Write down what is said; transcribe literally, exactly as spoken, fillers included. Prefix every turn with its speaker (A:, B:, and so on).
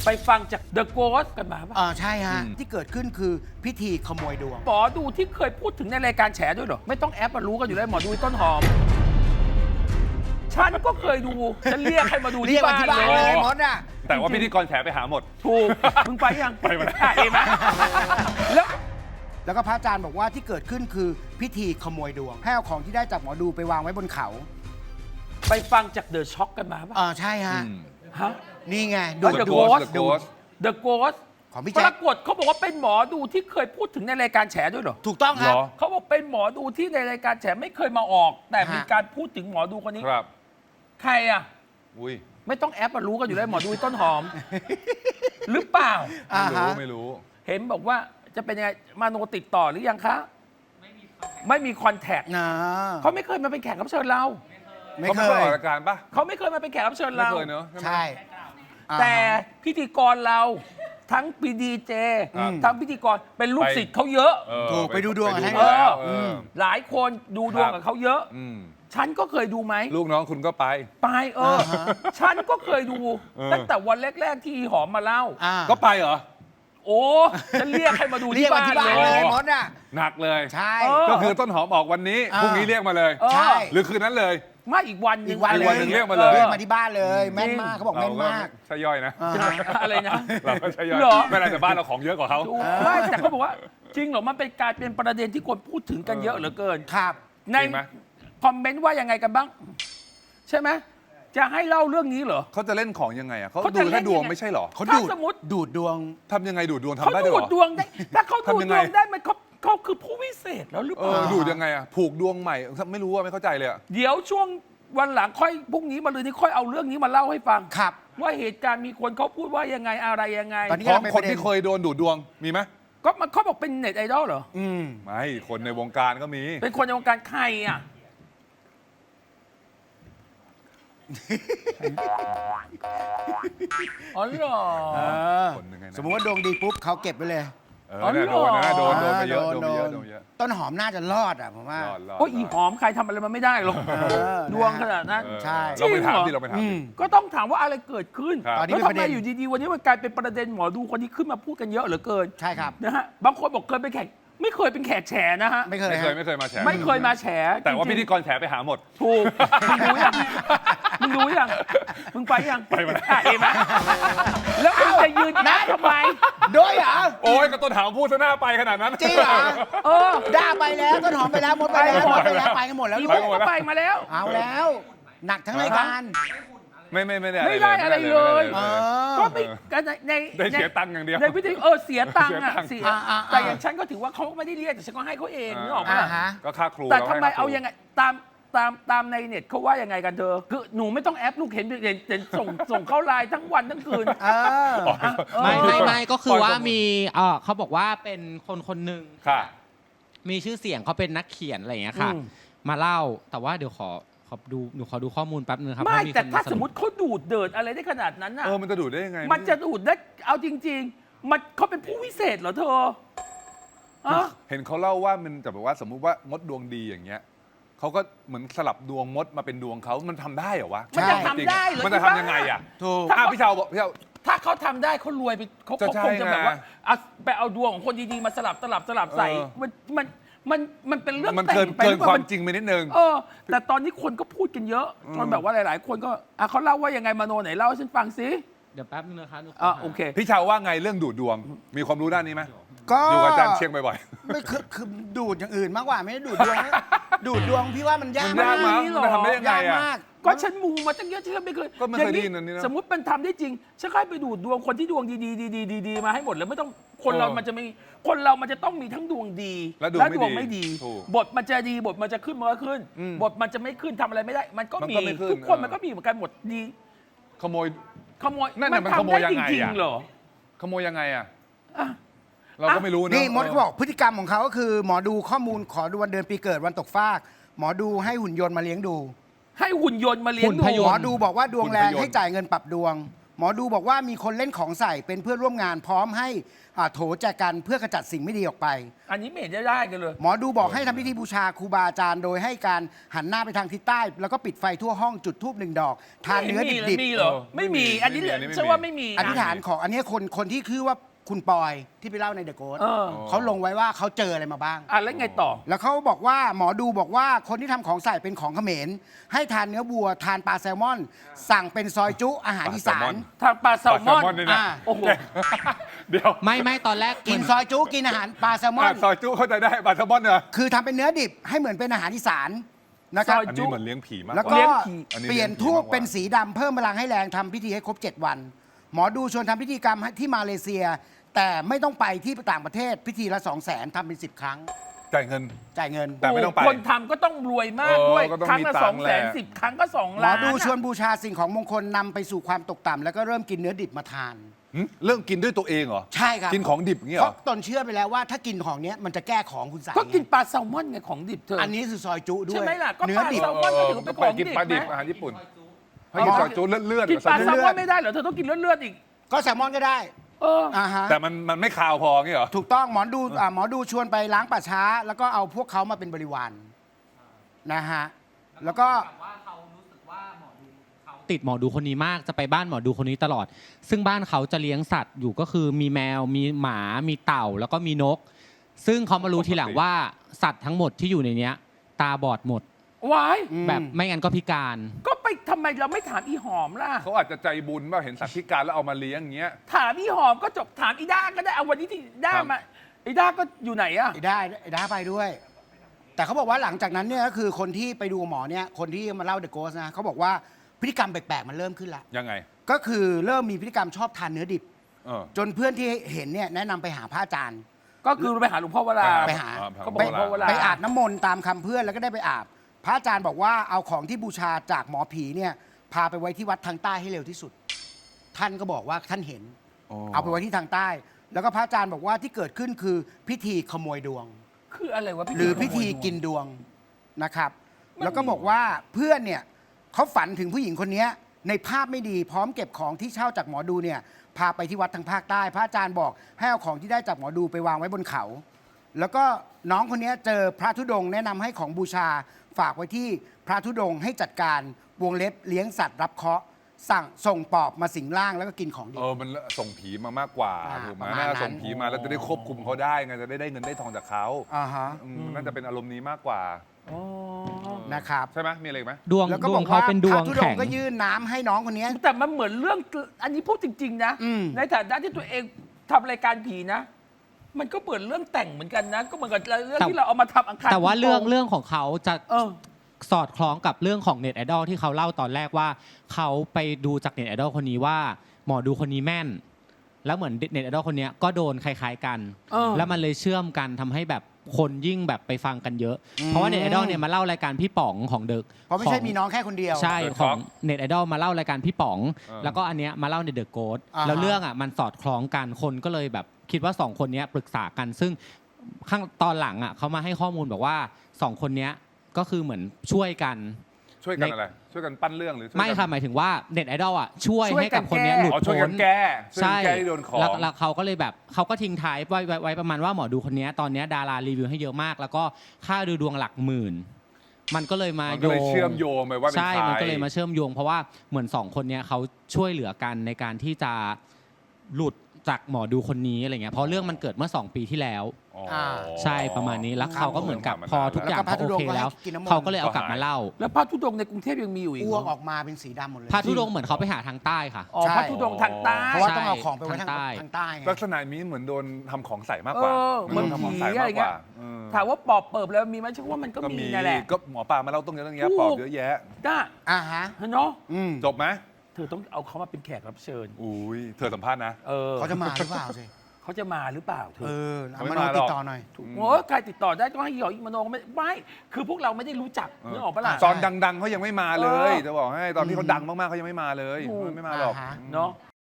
A: ไปฟังจาก The Ghost กันมาป่ะ
B: อ่าใช่ฮะที่เกิดขึ้นคือพิธีขโมยดวง
A: หมอดูที่เคยพูดถึงในรายการแฉด้วยเหรอ ไม่ต้องแอปมารู้กันอยู่แล้วหมอดูต้นหอม ฉันก็เคยดูฉันเรียกให้มาดู
B: เรีย
A: ที่
B: กมา
A: บ้าน
B: ที่บ้าน
A: เล
B: เลย ยมดอ่ะ
C: แต่ว่าพิธีกรแฉไปหาหมด
A: ถูก มึงไปยัง
C: ไปมาแล้ว
A: อ่ะเห็นไหมแล้ว
B: แล้วก็พระอาจารย์บอกว่าที่เกิดขึ้นคือพิธีขโมยดวงให้เอาของที่ได้จากหมอดูไปวางไว้บนเขา
A: ไปฟังจากเดอะช็อคกันมาป่ะ
B: อ่าใช่ฮะ
A: ฮะ
B: นี่ไง
A: ดู
B: ดู
A: The
B: ดู
A: Ghost
C: The Ghost
A: The Ghost
B: ของพี่
A: ป
B: แจ๊ค
A: รากฏเขาบอกว่าเป็นหมอดูที่เคยพูดถึงในรายการแฉด้วยเหรอ
B: ถูกต้องครับ
C: เหรอ
A: เขาบอกเป็นหมอดูที่ในรายการแฉไม่เคยมาออก แต่มี
B: ฮะ
A: การพูดถึงหมอดูคนนี้
C: ครับ
A: ใครอ่ะ
C: อุ้ย
A: ไม่ต้องแอปมารู้กันอยู่แล้วหมอดูต้นหอม หรือเปล่า
B: อ่า
C: ไม่
B: ฮะ
C: รู้ไม่รู้
A: เห็นบอกว่าจะเป็นยังไงมาโนติดต่อหรือยังคะ ไม่มีคอนแทค
B: นะ
A: เขาไม่เคยมาเป็นแขกรับเชิญเรา
B: ไม่
C: เขา
B: เค
C: ไม่เคย
B: ย
C: ออกรายการปะ
A: เขาไม่เคยมาเป็นแขกรับเชิญ
C: ไม่
A: เรา
C: เคยเนอะใช่ไหม
B: ใช่อ่าฮะ
A: แต่พิธีกรเราทั้งปีดีเจ
C: ครับ
A: ทั้งพิธีกรเป็นลูก
C: ไป
A: ศิษย์เขาเยอะ
C: เออ
B: ถูกไปดูดวงกับท่าน
C: ไปแล้ว
A: เออ
C: เออ
A: หลายคนดูดวงกับเขาเยอะ
C: อืม
A: ฉันก็เคยดูไหม
C: ลูกน้องคุณก็ไป
A: ไปเออ ฉันก็เคยดู
C: เออ
A: ตั้งแต่วันแรก ๆ ที่หอมมาเล่า
B: อ่า
C: ก็ไปเหรอ
A: โอ้ฉันเรียกให้มาดู
B: เรีย
A: ที่
B: กมา
A: บ้าน
B: ที่บ้าน
A: เล
B: เลย ยมดอ่ะ
C: หนักเลย
B: ใช่
A: เออ
C: ก็คือต้นหอมออกวันนี้
B: อ่า
C: พรุ่งนี้เรียกมาเลย
A: เออ
B: ใช่
C: หรือคืนนั้นเลย
A: มาอีกวันห
B: อี
A: นึ่ง
B: กวัน
C: อีกวันหนึ่งเรียกมาเลย
B: เรียกมาที่บ้านเลย แม่นมากเขาบอก
C: เรา
B: แม่น
C: ก็
B: มาก
C: ใช่ย่อยนะ
B: อ่า
A: อะไรนะ
C: เราก็ใช่ย่อย
A: เหรอ
C: ไม่เป็นไรแต่บ้านเราของเยอะกว่าเขา
A: ถูกไม่แต่เขาบอกว่า จริงเหรอมันเป็นการเป็นประเด็นที่คนพูดถึงกันเยอะเหลือเกิน
B: ครับ
A: ใน
C: จริงไหม
A: คอมเมนต์ว่ายังไงกันบ้าง ใช่ไหมจะให้เล่าเรื่องนี้เหรอ
C: เขาจะเล่นของยังไงอ่ะเขา
A: เขา
C: ดู
A: จะเล่
C: แค่
A: น
C: ดวง
A: ยังไง
C: ไม่ใช่เหรอ
B: เขา
A: ถ้า
B: ดูด
A: สมมติ
B: ดูดดวง
C: ทำยังไงดูดดวง
A: เขา
C: ทำได้ด้วย
A: ดู
C: เหร
A: ด
C: อ
A: ดวงได้ถ้าเขาดูด
C: ทำยัง
A: ด
C: ไง
A: วงได้มันเขาเขาคือผู้วิเศษแล้วหรือ
C: เอ
A: เปล่า
C: อดูดยังไงอ่ะผูกดวงใหม่ไม่รู้ว่าไม่เข้าใจเลยอ่ะ
A: เดี๋ยวช่วงวันหลังค่อยพรุ่งนี้มาเลยนี่ค่อยเอาเรื่องนี้มาเล่าให้ฟัง
B: ครับ
A: ว่าเหตุการณ์มีคนเขาพูดว่ายังไงอะไรยังไง
B: ตอนนี้
C: ของคนที่เคยโดนดูดดวงมีไหม
A: ก็มันเขาบอกเป็นเน็ตไอดอลเหรอ
B: อืม
C: ไม่คนในวงการก็มี
A: เป็นคนในวงการใครอ่ะ อ๋อเหรอ
B: เออ
C: คนหนึ่งไงนะ
B: สมมติว่าดวงดีปุ๊บเขาเก็บไปเลย
C: เออเนี่ยโดนนะโดนโดนไปเยอะโดนไปเยอะโดนไปเยอะ
B: ต้นหอมน่าจะรอดอ่ะผมว่าร
C: อดรอด
A: โอ้ยอีหอมใครทำอะไรมันไม่ได้หรอก
B: เออ
A: ดวงขนาดนั้น
C: เออ
B: ใช่
C: เราไปถาม
A: จริงเหรอ
C: ที่เราไปถาม
B: อื
C: ดิ
B: ม
A: ก็ต้องถามว่าอะไรเกิดขึ้น
C: ครับ
B: ตอนนี้
A: แล้ว
B: เป็น
A: ทำ
B: ประ
A: ไม
B: เด็น
A: อยู่ดีๆวันนี้มันกลายเป็นประเด็นหมอดูคนนี้ขึ้นมาพูดกันเยอะเหลือเกิน
B: ใช่ครับ
A: นะฮะบางคนบอกเคยเป็นแขกไม่เคยเป็นแขกแฉนะฮะ
B: ไม่เคย
C: ไม่เคย
B: ฮะ
C: ไม่เคยมาแฉ
A: ไม่เคยมาแฉ
C: แต่ว่า
A: จริ
C: พิ
A: งๆ
C: ธีกรแฉไปหาหมด
A: ถูกมึงรู้ยังมึงรู้ยังมึงไปยัง
C: ไปมาแล้ว
A: อ่ะเห็นไหมแล้วมึงจะยืนนะทำไม
B: ด้วยเหรอ
C: โอ้ยก็ต้นหางพูดซะหน้าไปขนาดนั้น
B: จริงเหรอ
A: เออ
B: ด้าไปแล้วต้นหอมไปแล้วมดไปแล้ว
A: ไปหม
B: ม
A: ด
B: ดไปแล้วไปกันหมดแล้ว
A: อี
B: ลู
A: โม
B: ก
A: ก็ไปมาแล้ว
B: เอาแล้ว หนักทั้งรายการ
C: ไม่ไม่ไม่ได้
A: ไม่ได้อะไรเลย
B: เออ
A: ก็ไม่ก็ในใน
C: ได้เสียตังค์อย่างเดียว
A: ในพิธีเออเสียตังค์อ่ะ
C: เสี
A: เสี
C: ย
A: ย
C: ตังค์
B: อ่าๆๆ
A: แต่อย่างฉันก็ถือว่าเขาไม่ได้เรียกแต่ฉันก็ให้เขาเองนึกออกไหม
B: อ่า
A: ล่ะ
B: ฮะ
C: ก็ค่าครู
A: แต่
C: ร
A: ทำไม
C: ให้ค่
A: เอา
C: ครู
A: ยังไงตามตามตามในเน็ตเขาว่ายังไงกันเธอคือหนูไม่ต้องแอปลูกเห็นเห็นเห็นส่งส่งเข้าไลน์ทั้งวันทั้งคืน
B: เออ
A: อ่ะเออ
D: ไม่ไม่ไม่ก็คือว่า
C: ปล่อยผม
D: มีเออเขาบอกว่าเป็นคนคนหนึ่ง
C: ค่ะ
D: มีชื่อเสียงเขาเป็นนักเขียนอะไรอย่างเงี้ยค่ะ
A: อืม
D: มาเล่าแต่ว่าเดี๋ยวขอขอดูหนูขอดูข้อมูลแป๊บนึงครับ
A: ไม่
D: เพระ
A: แต่
D: คน
A: ถ้า
D: เน
A: สมมติเขาดูดเดินอะไรได้ขนาดนั้นน่ะ
C: เออมันจะดูดได้ยังไง
A: มันจะดูดได้เอาจริง ๆ มันเขาเป็นผู้วิเศษเหรอเธออะ
C: เห็นเขาเล่าว่ามันจะแบบว่าสมมุติว่ามดดวงดีอย่างเงี้ยเขาก็เหมือนสลับดวงมดมาเป็นดวงเขามันทำได้เหรอวะ
A: มันจะ
B: ใช่
A: ทำได้เหรอ
C: มันจะทำยังไงอ่ะ
B: ถูก
C: อ่ะพี่เชาวบอกพี่เชาว
A: ถ้าเขาทำได้เขารวยไปเขา
C: จะ
A: เขา
C: ใช่
A: คงจะแบบว่า
C: ไง
A: เอาไปเอาดวงของคนดีๆมาสลับสลับสลับใส่
C: เออ
A: มันมันมันมันเป็นเรื่อง
C: มัน
A: แต่
C: เกิน
A: งไป
C: เกิ
A: ห
C: น
A: รือเปล่
C: ความ
A: น
C: จริงไปนิดนึง
A: เออ แต่ตอนนี้คนก็พูดกันเยอะจนแบบว่าหลาย ๆ คนก็อ่ะเขาเล่าว่ายังไงมาโนไหนเล่าให้ฉันฟังสิ
D: เดี๋ยวแป๊บนึงนะคะหนูข
A: อ่ะ
D: หา
A: โอเค
C: พี่เชาวว่าไงเรื่องดูดดวง มีความรู้ด้านนี้ไหม
B: ก็
C: อยู่กับอาจารย์เชียงบ่อย
B: ไม่คือคือดูดอย่างอื่นมากกว่าไม่ได้ดูดดวงนะดูดดวงพี่ว่ามันยาก
C: มันยากมั้ย
A: หรอ
C: มันทำได้ยังไง
B: ยาก
C: อะ
B: มาก
A: ก็ฉันมูมาตั้งเยอะฉันก็ไม่เคย
C: ก็ไม่เคย
A: อาง
C: ได้ยินอันนี้นะ
A: สมมติมันทำได้จริงฉันก็ให้ไปดูดดวงคนที่ดวงดีๆดีๆดีๆมาให้หมดเลยไม่ต้องคนเรา
C: เออ
A: มันจะมีคนเรามันจะต้องมีทั้งดวงดี
C: และดวงไม่ดี
A: ไม่ดี
C: ถูก
A: บทมันจะดีบทมันจะขึ้นมันก็ขึ้น
C: อืม
A: บทมันจะไม่ขึ้นทำอะไรไม่ได้ มันก็
C: มัน
A: มี
C: ก็ไม่ขึ้น
A: ทุกคน
C: เออ
A: มันก็มีเหมือนกันหมดดี
C: ขโมย
A: ขโมย
C: นั่นน่ะมันขโมย
A: ทำได้
C: ยังไง
A: จริง
C: อะ
A: ๆเหรอ
C: ขโมยยังไงอ่ะ
A: อ่ะ
C: เราก็ไม่รู้เนอะ
B: นี่มดเขาบอกพฤติกรรมของเขาก็คือ หมอดูข้อมูลขอดูวันเดือนปีเกิดวันตกฟาก หมอดูให้หุ่นยนต์มาเลี้ยงดู
A: ให้หุ่นยนต์มาเลี้ยง
D: หุ่น
A: ดู
D: พย
B: หม
D: น
B: อ
D: ต์
B: ดูบอกว่าดวงแรงให้จ่ายเงินปรับดวงหมอดูบอกว่ามีคนเล่นของใส่เป็นเพื่อนร่วมงานพร้อมให้อ่าโถแจกันเพื่อขจัดสิ่งไม่ดีออกไป
A: อันนี้ไม่เห็นจะได้กันเลย
B: หมอดูบอกให้ทำพิธีบูชาครูบาอาจารย์โดยให้การหันหน้าไปทางทิศใต้ แล้วก็ปิดไฟทั่วห้องจุดธูปหนึ่งดอก ทานเนื้อดิบ
A: มีเหรอ ไม่มี อันนี้เชื่อว่าไม่มี
B: ๆอธิษฐานของอันนี้คนคนที่คือว่าคุณปอยที่ไปเล่าในเดอะโกส
A: เออ
B: เขาลงไว้ว่าเขาเจออะไรมาบ้าง
A: อ่ะแล้วไงต่อ
B: แล้วเขาบอกว่าหมอดูบอกว่าคนที่ทำของใส่เป็นของเขมร ให้ทานเนื้อวัว ทานปลาแซลมอน สั่งเป็นซอยจุอาหารอีสาน
A: ทางปลาแซลมอน
C: ปลาแซลมอนด้วยนะ
B: อ่า
A: โอ้โห
C: เดี๋ยว
D: ไม่ไม่ตอนแรก
B: กิน
D: เหมือ
B: ซอยจุกินอาหารปลาแซลมอ
C: อ่ะ
B: น
C: ซอยจุเข้าใจได้ปลาแซลมอนเหรอ
B: คือทำเป็นเนื้อดิบให้เหมือนเป็นอาหารอีสานนะครับ
A: ซอย
C: อันนี้เหมือนเลี้ยงผีมาก
B: แล้ว
C: ก
B: ก็
C: ว่า
A: เลี้ยงผี
C: อันนี้
B: เปลี่ยน
C: เลี้ยงผี
B: ทูบ
C: มากกว่า
B: เป็นสีดำเพิ่มพลังให้แรงทำพิธีให้ครบ เจ็ด วัน หมอดูชวนทำพิธีกรรมที่มาเลเซีย แต่ไม่ต้องไปที่ต่างประเทศพิธีละสองแสนทำเป็นสิบครั้ง
C: จ่ายเงิน
B: จ่ายเงิน
C: แต่ไม่ต้องไป
A: คนทำก็ต้องรวยมากด้วย
C: เออก็ต้อง
A: ครั้ง
C: มี
A: ละ
C: ตั
A: สอง
C: งค์
A: แส
C: แห
A: น
C: ละ
A: สิบครั้งก็สอง
B: หมอ
A: ล้าน
B: ดูชวน
A: อะ
B: บูชาสิ่งของมงคลนำไปสู่ความตกต่ำแล้วก็เริ่มกินเนื้อดิบมาทาน
C: หึเรื่องกินด้วยตัวเองเหรอ
B: ใช่ครับ
C: กินของดิบอย่างเงี้ย
B: เพ
C: เหรอ
B: ราะตนเชื่อไปแล้วว่าถ้ากินของเนี้ยมันจะแก้ของคุณสาย
A: ก็กินปลาแซลมอนไงของดิบเธอ
B: อั
A: อั
B: นนี้คือซอยจุด้
A: ใช่
B: วย
A: ไหมล่ะก็
B: เนื้
A: ป
B: อ
A: ลา
B: ดิบ
A: แซลมอนก็ถือเป็นของ
C: กิน
A: ดิบ
C: ปลาดิบ
A: ไหม
C: อาหารญี่ปุ่นให้กินซอยจุเลือดๆ
A: กินปลา
C: ซอย
A: แซล
C: จุ
A: มอนไม่ได้เหรอเธอต้องกินเลือดๆอีก
B: ก็แซลมอนก็ได้
A: เออ
B: อ่าฮะ
C: แต่มันมันไม่คาวพออย่างเงี้ยเหรอ
B: ถูกต้องหมอดูอ่าหมอดูชวนไปล้างป่าช้า แล้วก็เอาพวกเขามาเป็นบริวารนะฮะแล้วก็
D: ติดหมอดูคนนี้มากจะไปบ้านหมอดูคนนี้ตลอด ซึ่งบ้านเขาจะเลี้ยงสัตว์อยู่ก็คือมีแมวมีหมามีเต่าแล้วก็มีนก ซึ่งเขามารู้ทีหลังว่าสัตว์ทั้งหมดที่อยู่ในเนี้ย ตาบอดหมด
A: วาย
B: อืม
D: แบบไม่งั้นก็พิการ
A: ก็ไปทำไมเราไม่ถามอีหอมล่ะ
C: เขาอาจจะใจบุญว่าเห็นสัตว์พิการแล้วเอามาเลี้ยงอย่างเงี้ย
A: ถามอีหอมก็จบถามอีด้าก็ได้เอาวันนี้ที่ด้า
C: ครับ
A: มาอีด้าก็อยู่ไหนอะ
B: ไอ้ได้ไอ้ด้าไปด้วย แต่เขาบอกว่าหลังจากนั้นเนี่ยก็คือคนที่ไปดูหมอเนี่ยคนที่มาเล่าเดอะโกสนะเขาบอกว่าพฤติกรรมแปลกๆมันเริ่มขึ้นละ
C: ยังไง
B: ก็คือเริ่มมีพฤติกรรมชอบทานเนื้อดิบ
C: เออ
B: จนเพื่อนที่เห็นเนี่ยแนะนำไปหาพระอาจารย์
A: ก็คือไปหาหลวงพ่อเวลา
B: ไปหา
A: เขาบอกหลวงพ่อเวลา
B: ไปอาบน้ำมนต์ตามคำเพื่อนแล้วก็ได้ไปอาบ พระอาจารย์บอกว่าเอาของที่บูชาจากหมอผีเนี่ยพาไปไว้ที่วัดทางใต้ให้เร็วที่สุด ท่านก็บอกว่าท่านเห็น เอาไปไว้ที่ทางใต้ แล้วก็พระอาจารย์บอกว่าที่เกิดขึ้นคือพิธีขโมยดวง
A: คืออะไรวะ
B: หรือพิธีกินดวงนะครับ แล้วก็บอกว่าเพื่อนเนี่ยเขาฝันถึงผู้หญิงคนนี้ในภาพไม่ดีพร้อมเก็บของที่เช่าจากหมอดูเนี่ยพาไปที่วัดทางภาคใต้ พระอาจารย์บอกให้เอาของที่ได้จากหมอดูไปวางไว้บนเขา แล้วก็น้องคนนี้เจอพระธุดงค์แนะนำให้ของบูชาฝากไว้ที่พระธุดงค์ให้จัดการวงเล็บเลี้ยงสัตว์รับเคราะห์สั่งส่งปอบมาสิงร่างแล้วก็กินของดี
C: เออมันส่งผีมามากกว่า
B: อ่า
C: ถูกไหม
B: ประมาณ
C: น่า
B: นั้น
C: ส่งผีมาแล้วจะได้ควบคุมเขาได้ไงจะได้ได้เงินได้ทองจากเขา
B: อ่าฮะ
C: อืมน่าจะเป็นอารมณ์นี้มากกว่า
A: อ๋อ
B: นะครับ
C: ใช่ไหมมีอะไรอีกไหม
D: ดวง
B: แล้วก็
D: ด
B: บ
D: ว
B: อง ก
D: เขา
B: ว่า
D: เป็นด
B: พ
D: ว
B: ระ
D: ง
B: ธุดง
D: แข็ง
B: ค์ก็ยื่นน้ำให้น้องคนนี้
A: แต่มันเหมือนเรื่องอันนี้พูดจริง ๆ นะ
B: อืม
A: ในฐานะที่ตัวเองทำรายการผีนะ มันก็เหมือนเรื่องแต่งเหมือนกันนะ ก็เหมือนกับเรื่อง
D: แต่
A: ที่เราเอามาทำอังคาร
D: แต่ว่าเรื่อง
A: โก
D: เรื่องของเขาจะ
A: เออ
D: สอดคล้องกับเรื่องของเน็ตไอดอลที่เขาเล่าตอนแรกว่า เขาไปดูจากเน็ตไอดอลคนนี้ว่าหมอดูคนนี้แม่น แล้วเหมือนเน็ตไอดอลคนนี้ก็โดนคล้ายๆกัน
A: เออ
D: แล้วมันเลยเชื่อมกันทำให้แบบคนยิ่งแบบไปฟังกันเยอะ
B: อืม
D: เพราะว่าเน็ตไอดอลเนี่ยมาเล่ารายการพี่ป๋องของเด็ก
B: เพราะไม่ใช่มีน้องแค่คนเดียว
D: ใช่
C: เดอะ
D: ของ
C: Talk
D: เน็ตไอดอลมาเล่ารายการพี่ป๋อง
C: เออ
D: แล้วก็อันเนี้ยมาเล่าในเดอะโกส
B: อ่าฮะ
D: แล้วเรื่องอ่ะมันสอดคล้องกันคนก็เลยแบบคิดว่าสองคนเนี้ยปรึกษากัน ซึ่งข้างตอนหลังอ่ะเขามาให้ข้อมูลบอกว่าสองคนเนี้ยก็คือเหมือนช่วยกัน
C: ช่วยกันอะไร ช่วยกันปั้นเรื่องหรือช่วย
D: ไม่
C: กัน
D: ค่ะหมายถึงว่าเน็ตไอดอลอ่ะช่วย
A: ช่วย
D: ให้กับ
A: กัน
D: คนเนี้ย
A: แก้
D: หลุด
C: อ๋อช่วย
D: พ้
C: กัน นแก้ช่วย
D: ใช่
C: กันแก้ที่โดนของ
D: แล้วแล้วเขาก็เลยแบบเขาก็ทิ้งท้ายไว้ไว้ไว้ประมาณว่าหมอดูคนเนี้ยตอนเนี้ยดารารีวิวให้เยอะมาก แล้วก็ค่าดูดวงหลักหมื่น มันก็เลยมา
C: มัน
D: โย
C: ก็เลย
D: ง
C: เชื่อมโยงไปว่าเป็น
D: ใช่
C: ใคร
D: มันก็เลยมาเชื่อมโยง เพราะว่าเหมือนสองคนเนี้ยเขาช่วยเหลือกันในการที่จะหลุดจากหมอดูคนนี้อะไรเงี้ยเพราะเรื่องมันเกิดเมื่อสองปีที่แล้ว
C: อ๋อ
D: ใช่ประมาณนี้แล้วเขาก็เหมือนกับพอทุกอย่าง
B: แล้วก็พระ
D: เขา
B: ธุ
D: โอ
B: ดงค์
D: เคแล้ว
B: ก็ให้กินน้ำมนต์
D: เขาก็เลยเอากลับมาเล่า
A: แล้วพระธุดงค์ในกรุงเทพยังมีอยู่อีก
B: อ้วก
A: เหร
B: อ
A: อ
B: อกมาเป็นสีดำหมดเลย
D: พระธุดงค์เหมือนเขาไปหาทางใต้ค่ะ
A: อ๋อ
B: ใช่
A: พระธุดงค์ทางใต้
B: เพราะว่าต้องเอาของไปไว้ทาง
D: ทางใต้
B: ทางใต้ไง
C: ลักษณะนี้เหมือนโดนทำของใส่มากกว่า
A: เออ
C: เหมือนโดนทำของใส่
A: เหมือนผี
C: มากกว่า
A: อะไรเงี้ย
C: เออ
A: ถามว่าปอบเปิบแล้วมีไหมเชื่อว่ามันก็
C: ก็
A: มี
C: มี
A: นั่นแหละ
C: ก็หมอปลามาเล่าต้องเยอะต้องแยะ
A: ถูก
C: ปอบเยอะแยะ
A: ก้า
B: อ่าฮะ
A: เนาะ
B: อืม
C: จบไหม
A: เธอต้องเอาเขามาเป็นแขกรับเชิญ
C: อุ้ยเธอสัมภาษณ์นะ
A: เออ
B: เขาจะมาหรือเปล่าสิ
A: เขาจะมาหรือเปล่าเธ
B: เอ
A: อ
B: อ
C: เขา
B: เอา
C: ไม่
B: มา
C: มา
B: ลอง
C: หร
B: ติ
C: อก
B: ดต่อหน่อย
A: โอ้ใครติดต่อได้ต้องให้หยอกอีกมโนไม่ไม่คือพวกเราไม่ได้รู้จักนึกออกปะล่ะ
C: ตอนดังๆเขายังไม่มาเลย
A: เออ
C: จะบอกให้ตอนที่เขาดังมากๆเขายังไม่มาเลย
A: ถูก
C: ไม่มาหรอก
B: อ่าฮะ
A: เนาะ